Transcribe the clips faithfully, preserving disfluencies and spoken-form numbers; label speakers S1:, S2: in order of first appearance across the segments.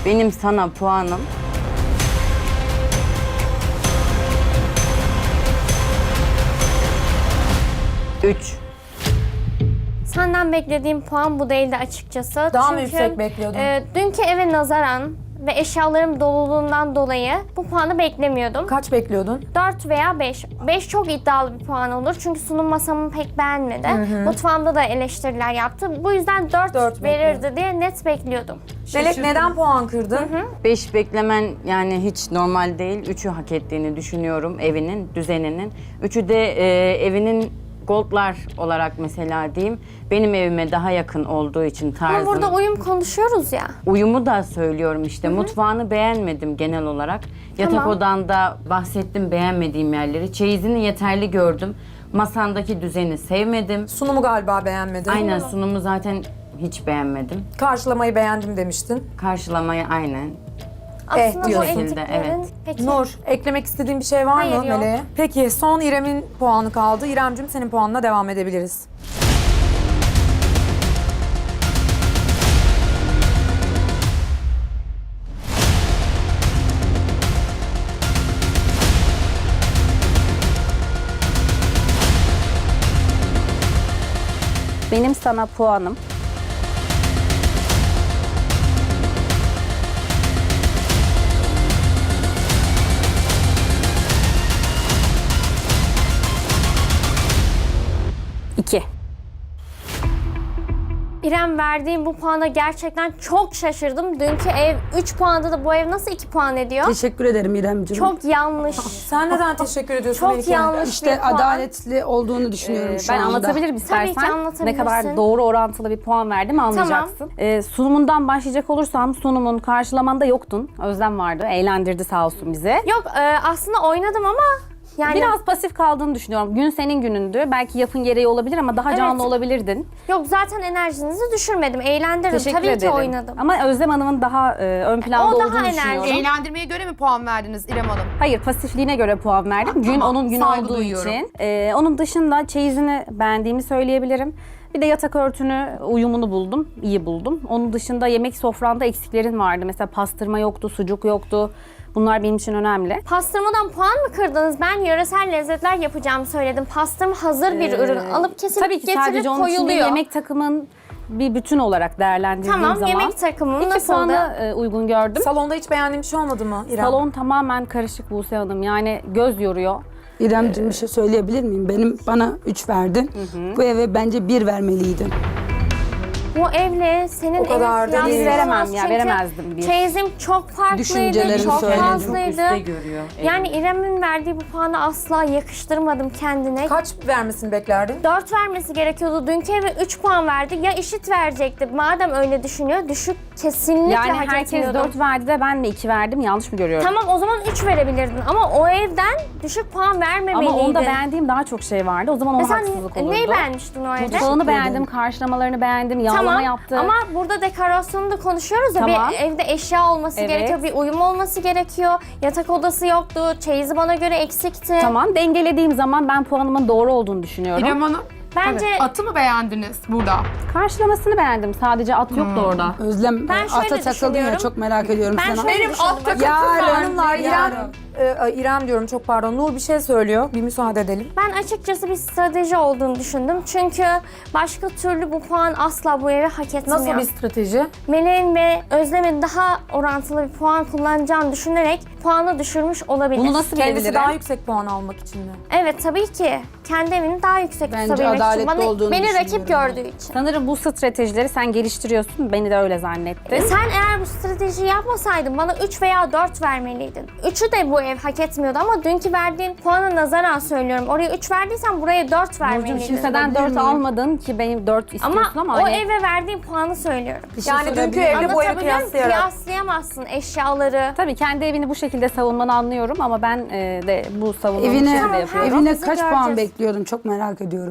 S1: Benim sana puanım üç.
S2: Senden beklediğim puan bu değildi açıkçası.
S3: Daha
S2: Çünkü,
S3: mı yüksek bekliyordun?
S2: E, dünkü eve nazaran ve eşyalarım doluluğundan dolayı bu puanı beklemiyordum.
S3: Kaç bekliyordun?
S2: dört veya beş. beş çok iddialı bir puan olur. Çünkü sunum masamı pek beğenmedi. Mutfağımda da eleştiriler yaptı. Bu yüzden dört,
S3: Dört
S2: verirdi diye net bekliyordum.
S3: Melek neden puan kırdın?
S1: beş beklemen yani hiç normal değil. üçü hak ettiğini düşünüyorum evinin, düzeninin. üçü de e, evinin goldlar olarak mesela diyeyim. Benim evime daha yakın olduğu için tarzım.
S2: Ama burada uyum konuşuyoruz ya.
S1: Uyumu da söylüyorum işte. Mutfağını beğenmedim genel olarak. Yatak
S2: Tamam.
S1: odanda bahsettim beğenmediğim yerleri. Çeyizini yeterli gördüm. Masandaki düzeni sevmedim.
S3: Sunumu galiba beğenmedin.
S1: Aynen sunumu zaten hiç beğenmedim.
S3: Karşılamayı beğendim demiştin.
S1: Karşılamayı aynen.
S2: Aslında bu
S3: diyorsun.
S2: ektiklerin...
S1: Evet.
S2: Peki.
S3: Nur, eklemek istediğin bir şey var
S2: Hayır,
S3: mı
S2: yok.
S3: Meleğe? Peki son İrem'in puanı kaldı. İrem'cim senin puanına devam edebiliriz.
S4: Benim sana puanım iki.
S2: İrem, verdiğim bu puana gerçekten çok şaşırdım. Dünkü ev üç puanda da bu ev nasıl iki puan ediyor?
S5: Teşekkür ederim İremciğim.
S2: Çok yanlış.
S3: Sen neden teşekkür ediyorsun
S2: Çok
S3: Melike?
S2: yanlış bir
S5: işte
S2: puan.
S5: adaletli olduğunu düşünüyorum
S4: Ee,
S5: şu
S4: ben
S5: anda.
S4: anlatabilirim
S2: Tabii ki
S4: istersen.
S2: anlatabilirsin.
S4: Ne kadar doğru orantılı bir puan verdim anlayacaksın. Ee, sunumundan başlayacak olursam sunumun karşılamanda yoktun. Özlem vardı. Eğlendirdi sağ olsun bizi.
S2: Yok e, aslında oynadım ama yani
S4: Biraz pasif kaldığını düşünüyorum. Gün senin günündü. Belki yapın gereği olabilir ama daha canlı
S2: Evet.
S4: olabilirdin.
S2: yok zaten enerjinizi düşürmedim. Eğlendirdim.
S4: Teşekkür
S2: Tabii
S4: ederim.
S2: ki oynadım.
S4: Ama Özlem Hanım'ın daha e, ön planda
S2: O daha
S4: olduğunu
S2: enerjik.
S4: düşünüyorum.
S6: Eğlendirmeye göre mi puan verdiniz İrem Hanım?
S4: Hayır, pasifliğine göre puan verdim. Gün
S6: tamam.
S4: onun günü
S6: Saygı
S4: olduğu
S6: duyuyorum.
S4: için. Ee, onun dışında çeyizini beğendiğimi söyleyebilirim. Bir de yatak örtünü, uyumunu buldum, iyi buldum. Onun dışında yemek sofranda eksiklerin vardı. Mesela pastırma yoktu, sucuk yoktu. Bunlar benim için önemli.
S2: Pastırmadan puan mı kırdınız? Ben yöresel lezzetler yapacağımı söyledim. Pastırma hazır bir ürün. Alıp kesilip
S4: Tabii ki
S2: getirilip
S4: sadece onun için değil,
S2: koyuluyor.
S4: yemek takımın bir bütün olarak değerlendirdiğim
S2: Tamam,
S4: zaman
S2: yemek takımı
S4: iki
S2: nasıldı?
S4: puanı e, uygun gördüm.
S3: Salonda hiç beğendiğin bir şey olmadı mı İrem?
S4: Salon tamamen karışık Buse Hanım. Yani göz yoruyor.
S5: İremciğim bir şey söyleyebilir miyim? Benim bana üç verdin. Bu eve bence bir vermeliydin.
S2: Bu evle senin
S3: O kadar
S2: evin
S3: da değil.
S2: kıyaslanamaz.
S4: Veremem ya,
S2: Çünkü
S4: veremezdim bir.
S2: Çeyizim çok farklıydı,
S5: Düşüncelerimi
S2: çok
S5: söyledim.
S1: Çok
S2: fazlaydı.
S1: üstte görüyor.
S2: Yani İrem'in verdiği bu puanı asla yakıştırmadım kendine.
S3: Kaç vermesini beklerdin?
S2: dört vermesi gerekiyordu. Dünkü eve üç puan verdi. Ya eşit verecekti. Madem öyle düşünüyor, düşük kesinlikle
S4: Yani
S2: hak
S4: herkes
S2: etmiyordu.
S4: dört verdi de ben de iki verdim. Yanlış mı görüyorum?
S2: Tamam, o zaman üç verebilirdin ama o evden düşük puan vermemeliydin.
S4: Ama onda beğendiğim daha çok şey vardı. O zaman ona
S2: Mesela
S4: haksızlık olurdu.
S2: neyi beğenmiştin o evde?
S4: Mutfağını beğendim, karşılamalarını beğendim, yağlama
S2: Tamam
S4: yaptı.
S2: ama burada dekorasyonu da konuşuyoruz ya,
S4: Tamam.
S2: bir evde eşya olması
S4: Evet.
S2: gerekiyor, bir uyum olması gerekiyor. Yatak odası yoktu, çeyizi bana göre eksikti.
S4: Tamam, dengelediğim zaman ben puanımın doğru olduğunu düşünüyorum.
S6: İrem Hanım,
S2: Bence
S6: atı mı beğendiniz burada?
S4: Karşılamasını beğendim. Sadece at yoktu orada.
S5: Özlem
S2: Ben
S5: e,
S2: şöyle
S5: ata takıldın
S2: düşünüyorum.
S5: ya çok merak ediyorum
S2: ben
S5: sana.
S2: şöyle
S6: Benim
S2: düşündüm.
S6: alt takım
S5: Yarın,
S3: Hanımlar İrem,
S5: yarın.
S3: e, İrem diyorum çok pardon. Nur bir şey söylüyor. Bir müsaade edelim.
S2: Ben açıkçası bir strateji olduğunu düşündüm. Çünkü başka türlü bu puan asla bu eve hak etmiyor.
S3: Nasıl bir strateji?
S2: Meleğin ve Özlem'in daha orantılı bir puan kullanacağını düşünerek puanı düşürmüş olabilir.
S4: Bunu nasıl
S3: Kendisi
S4: bilebilirim?
S3: daha yüksek puan almak için mi?
S2: Evet, tabii ki. Kendi evini daha yüksek
S5: Bence
S2: tutabilmek için.
S5: adaletli
S2: Bana,
S5: olduğunu
S2: beni rakip
S5: düşünüyorum
S2: gördüğü için.
S4: Sanırım bu stratejileri sen geliştiriyorsun. Beni de öyle zannettin.
S2: E sen eğer bu stratejiyi yapmasaydın bana üç veya dört vermeliydin. üçü de bu ev hak etmiyordu ama dünkü verdiğin puana nazaran söylüyorum. Oraya üç verdiysen buraya dört
S4: Burcu'm
S2: vermeliydin.
S4: kimseden dört almadın ki benim dört istiyorsun
S2: Ama,
S4: ama,
S2: o
S4: hani
S2: eve verdiğin puanı söylüyorum.
S5: Bir şey
S3: Yani dünkü
S5: sorabilir miyim?
S3: evle bu evi
S2: Anlatabiliyor muyum?
S3: kıyaslayarak.
S2: Kıyaslayamazsın eşyaları.
S4: tabii kendi evini bu şekilde savunmanı anlıyorum ama ben e, de bu savunmanın
S5: Evine,
S4: içinde
S2: Tamam,
S4: yapıyorum.
S5: evine
S2: Bizi
S5: kaç puan
S2: göreceğiz.
S5: bekliyordun çok merak ediyorum ben.
S2: En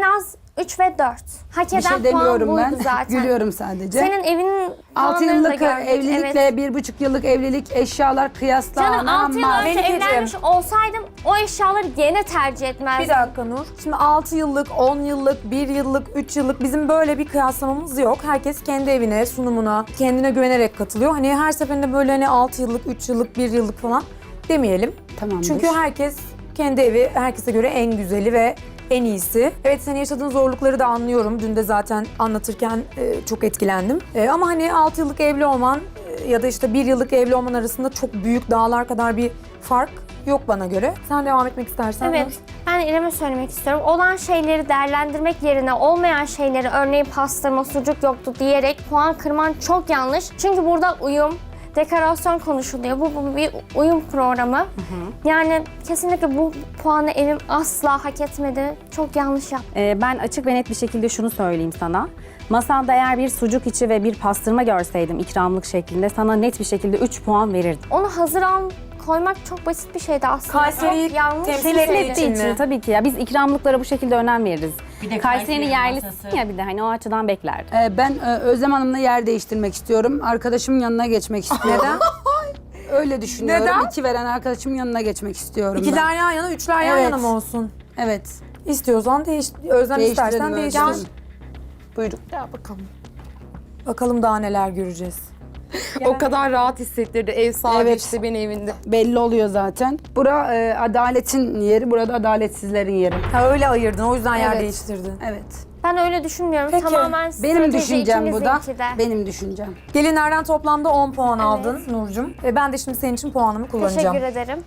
S2: az üç ve dört. Hak
S5: Bir
S2: eden
S5: şey
S2: puan
S5: demiyorum
S2: buydu
S5: ben.
S2: zaten.
S5: Gülüyorum sadece.
S2: Senin evinin
S5: altı
S2: puanlarını da
S5: yıllık
S2: gördük.
S5: evlilikle
S2: Evet.
S5: bir buçuk yıllık evlilik eşyalar
S2: Canım
S5: kıyaslanamaz.
S2: altı yıl önce
S3: Melike'ciğim.
S2: evlenmiş olsaydım o eşyaları gene tercih etmezdim.
S3: Bir dakika Nur. Şimdi altı yıllık, on yıllık, bir yıllık, üç yıllık bizim böyle bir kıyaslamamız yok. Herkes kendi evine, sunumuna, kendine güvenerek katılıyor. Hani her seferinde böyle hani altı yıllık, üç yıllık, bir yıllık falan demeyelim.
S5: Tamamdır.
S3: Çünkü herkes kendi evi herkese göre en güzeli ve en iyisi. Evet, senin yaşadığın zorlukları da anlıyorum. Dün de zaten anlatırken e, çok etkilendim. E, ama hani altı yıllık evli olman e, ya da işte bir yıllık evli olman arasında çok büyük dağlar kadar bir fark yok bana göre. Sen devam etmek istersen.
S2: Evet,
S3: Nur.
S2: ben İrem'e söylemek istiyorum. Olan şeyleri değerlendirmek yerine olmayan şeyleri, örneğin pastırma, sucuk yoktu diyerek puan kırman çok yanlış. Çünkü burada uyum, dekorasyon konuşuluyor. Bu, bu bir uyum programı. Yani kesinlikle bu puanı evim asla hak etmedi. Çok yanlış yaptı.
S4: Ee, ben açık ve net bir şekilde şunu söyleyeyim sana. Masanda eğer bir sucuk içi ve bir pastırma görseydim ikramlık şeklinde sana net bir şekilde üç puan verirdim.
S2: Onu hazır al koymak çok basit bir şeydi aslında.
S3: Kayseri'yi
S2: Çok yanlış
S3: temsil
S2: bir
S3: ettiği
S2: şeydi.
S3: için
S4: için
S3: mi?
S4: tabii ki ya biz ikramlıklara bu şekilde önem veririz.
S1: Bir de
S4: Kayseri'nin
S1: Kayseri
S4: yerlisin
S1: masası.
S4: ya bir de hani o açıdan beklerdim.
S5: Ee, ben e, Özlem Hanım'la yer değiştirmek istiyorum. Arkadaşımın yanına geçmek istiyorum.
S3: Neden?
S5: Öyle düşünüyorum.
S3: Neden?
S5: İki veren arkadaşımın yanına geçmek istiyorum
S3: İkiler
S5: ben.
S3: yan yana, üçler yan
S5: Evet.
S3: yana mı olsun?
S5: Evet.
S3: İstiyorsan değiş, Özlem
S5: Değiştirelim
S3: istersen
S5: Özlem.
S3: değiştir.
S5: Buyurun.
S3: Ya bakalım. Bakalım daha neler göreceğiz.
S6: O kadar rahat hissettirdi ev sahibi
S5: Evet.
S6: işte beni evinde.
S5: Belli oluyor zaten. Bura e, adaletin yeri, burada adaletsizlerin yeri.
S3: Ha öyle ayırdın, o yüzden yer
S5: Evet.
S3: değiştirdin.
S5: Evet.
S2: Ben öyle düşünmüyorum.
S3: Peki,
S2: Tamamen
S5: Benim
S2: strateji
S5: düşüncem bu da.
S2: ikimizinki de.
S5: Benim düşüncem.
S3: Gelinlerden toplamda on puan aldın Nurcum. E ben de şimdi senin için puanımı kullanacağım.
S2: Teşekkür ederim.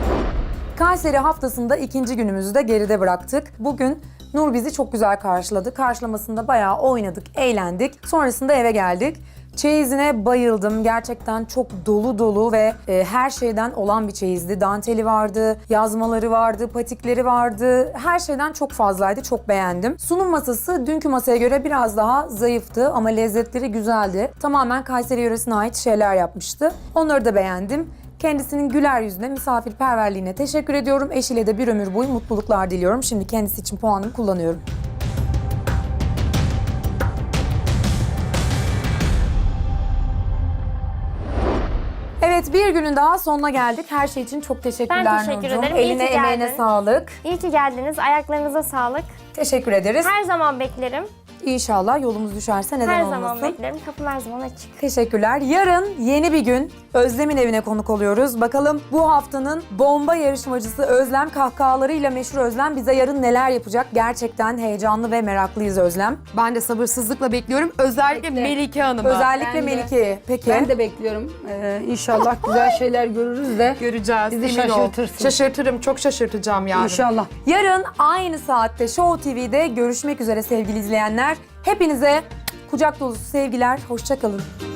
S3: Kayseri haftasında ikinci günümüzü de geride bıraktık. Bugün Nur bizi çok güzel karşıladı. Karşılamasında bayağı oynadık, eğlendik. Sonrasında eve geldik. Çeyizine bayıldım. Gerçekten çok dolu dolu ve e, her şeyden olan bir çeyizdi. Danteli vardı, yazmaları vardı, patikleri vardı. Her şeyden çok fazlaydı. Çok beğendim. Sunum masası dünkü masaya göre biraz daha zayıftı ama lezzetleri güzeldi. Tamamen Kayseri yöresine ait şeyler yapmıştı. Onları da beğendim. Kendisinin güler yüzüne, misafirperverliğine teşekkür ediyorum. Eşiyle de bir ömür boyu mutluluklar diliyorum. Şimdi kendisi için puanımı kullanıyorum. Evet, bir günün daha sonuna geldik. Her şey için çok teşekkürler
S2: Ben teşekkür
S3: Nurcuğum.
S2: ederim. İyi
S3: Eline
S2: ki
S3: emeğine
S2: geldin.
S3: sağlık.
S2: İyi ki geldiniz. Ayaklarınıza sağlık.
S3: Teşekkür ederiz.
S2: Her zaman beklerim.
S3: İnşallah yolumuz düşerse neden
S2: Her
S3: olmasın.
S2: zaman beklerim. Kapım her zaman açık.
S3: Teşekkürler. Yarın yeni bir gün Özlem'in evine konuk oluyoruz. Bakalım bu haftanın bomba yarışmacısı Özlem, kahkahalarıyla meşhur Özlem bize yarın neler yapacak? Gerçekten heyecanlı ve meraklıyız Özlem.
S6: Ben de sabırsızlıkla bekliyorum. Özellikle Melike Hanım'ı.
S3: Özellikle
S5: Ben de.
S3: Melike'yi. Peki.
S5: Ben de bekliyorum. Ee, inşallah güzel şeyler görürüz de.
S6: Göreceğiz.
S5: Bizi
S6: emin ol.
S5: şaşırtırsın.
S6: Şaşırtırım. Çok şaşırtacağım yani.
S5: İnşallah.
S3: Yarın aynı saatte Show T V'de görüşmek üzere sevgili izleyenler. Hepinize kucak dolusu sevgiler. Hoşça kalın.